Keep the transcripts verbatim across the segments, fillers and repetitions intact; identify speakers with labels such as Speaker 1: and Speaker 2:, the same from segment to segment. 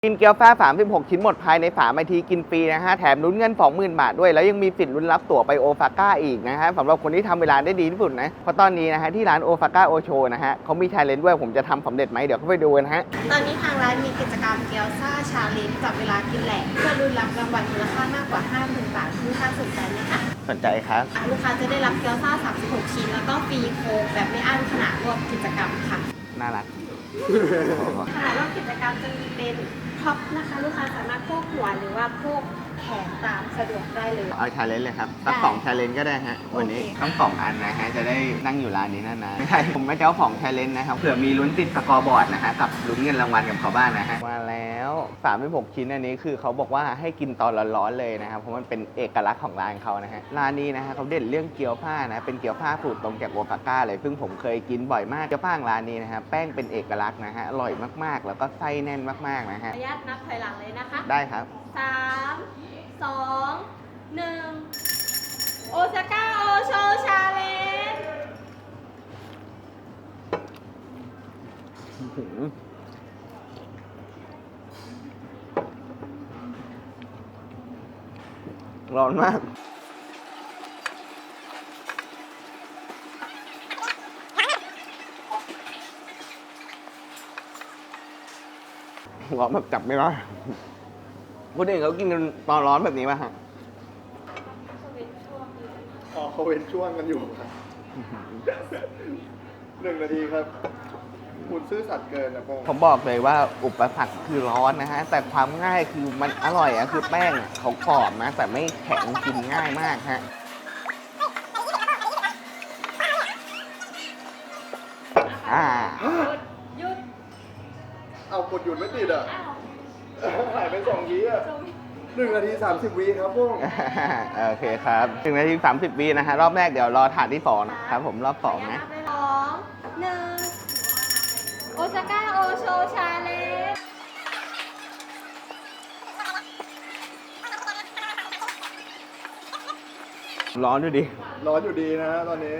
Speaker 1: กินเกี๊ยวฟ้าสามสิบหกชิ้นหมดภายในสามนาทีกินฟรีนะฮะแถมลุ้นเงิน สองหมื่น บาทด้วยแล้วยังมีสิทธิ์ลุ้นรับตั๋วไปโอซาก้าอีกนะฮะสำหรับคนที่ทำเวลาได้ดีที่สุดนะเพราะตอนนี้นะฮะที่ร้านโอซาก้าโอโชนะฮะเขามีชาเลนจ์ด้วยผมจะทำสำเร็จไหมเดี๋ยวเข้าไปดูนะฮะ
Speaker 2: ตอนนี้ทางร้านมีกิจกรรมเกี๊ยวซ่าชาเลนจ์จับเวลากินแหลกเพื่อลุ้นรับรางวัลมูลค่ามากกว่า ห้าหมื่น บาทลูกค้าสนใจไหมคะ
Speaker 1: สนใจครับ
Speaker 2: ลูกค้าจะได้รับเกี๊ยวซ่าสามสิบหกชิ้นแล้วก็ฟรีโค้กแบบไม่อั้นขณะร่วมกิจกรรมค่ะ
Speaker 1: น่ารัก
Speaker 2: ขณะร่วมกิจกรรมจะมีเป็นท็อปนะคะลูกค้าสามารถโพกหัวหรือว่าโพกแขนตามสะดวกได้เลย
Speaker 1: เอาชาเลนจ์เลยครับสักสองชาเลนจ์ก็ได้ฮะวันนี้ต้องสองอันนะฮะจะได้นั่งอยู่ร้านนี้นานๆไม่ใช่ผมไม่เจ้าของชาเลนจ์นะครับเผื่อมีลุ้นติดสกอร์บอร์ดนะฮะกับลุ้นเงินรางวัลกับเขาบ้างนะฮะมาแล้วสามสิบหกชิ้นอันนี้คือเขาบอกว่าให้กินตอนร้อนๆเลยนะครับเพราะมันเป็นเอกลักษณ์ของร้านเขานะฮะร้านนี้นะฮะเขาเด่นเรื่องเกี๊ยวผ้านะเป็นเกี๊ยวผ้าสูตรตรงจากโอซาก้าเลยซึ่งผมเคยกินบ่อยมากเกี๊ยวผ้าร้านนี้นะฮะแป้งเป็นเอกลักษณ์นะฮะอร่อยมากๆแล้วก็ไส้แน่นมากๆนะฮะ
Speaker 2: ขออนุญาตนับถอยหลังเลยนะคะ
Speaker 1: ได้ครับ
Speaker 2: สามสองหนึ่งโอซาก้าโอโชชาเลนจ์
Speaker 1: ร้อนมากร้อนแบบจับไม่ได้คนอื่นเขากินตอนร้อนแบบนี้ป่ะฮะ
Speaker 3: อ๋อเขาเว้นช่วงกันอยู่ครับหนึ่งนาทีครับคุณซื่อสัตย์เกินนะพ่อ
Speaker 1: ผมบอกเลยว่าอุปสรรคคือร้อนนะฮะแต่ความง่ายคือมันอร่อยอะคือแป้งเขากรอบนะแต่ไม่แข็งกินง่ายมากฮะอ่า
Speaker 2: หยุด
Speaker 3: เอากดหยุดไม่ติดอ่ะหายไปสองวิอ่ะหนึ่งนาทีสามสิบวิครับพ่อ
Speaker 1: โอเคครับหนึ่งนาทีสามสิบวินะฮะรอบแรกเดี๋ยวรอถาดที่สองนะครับผมรอบสองนะ
Speaker 2: สองหนึ่งโอซาก้าโอโชชาเลนจ์
Speaker 1: ร้อนดูดิ
Speaker 3: ร้อนอยู่ดีนะฮะตอนนี้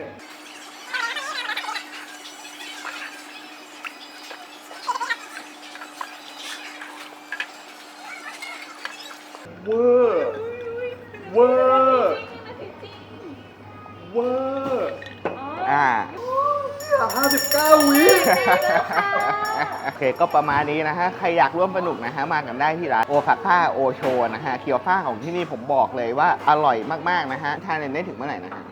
Speaker 3: เวอร์เวอร์เวอร์
Speaker 1: อ่า
Speaker 3: ห้าสิบเก้าวิ
Speaker 1: โอเคก็ประมาณนี้นะฮะใครอยากร่วมสนุกนะฮะมากันได้ที่ร้านโอซาก้าโอโชนะฮะเกี๊ยวฟ้าของที่นี่ผมบอกเลยว่าอร่อยมากๆนะฮะทานได้ถึงเมื่อไหร่นะฮะ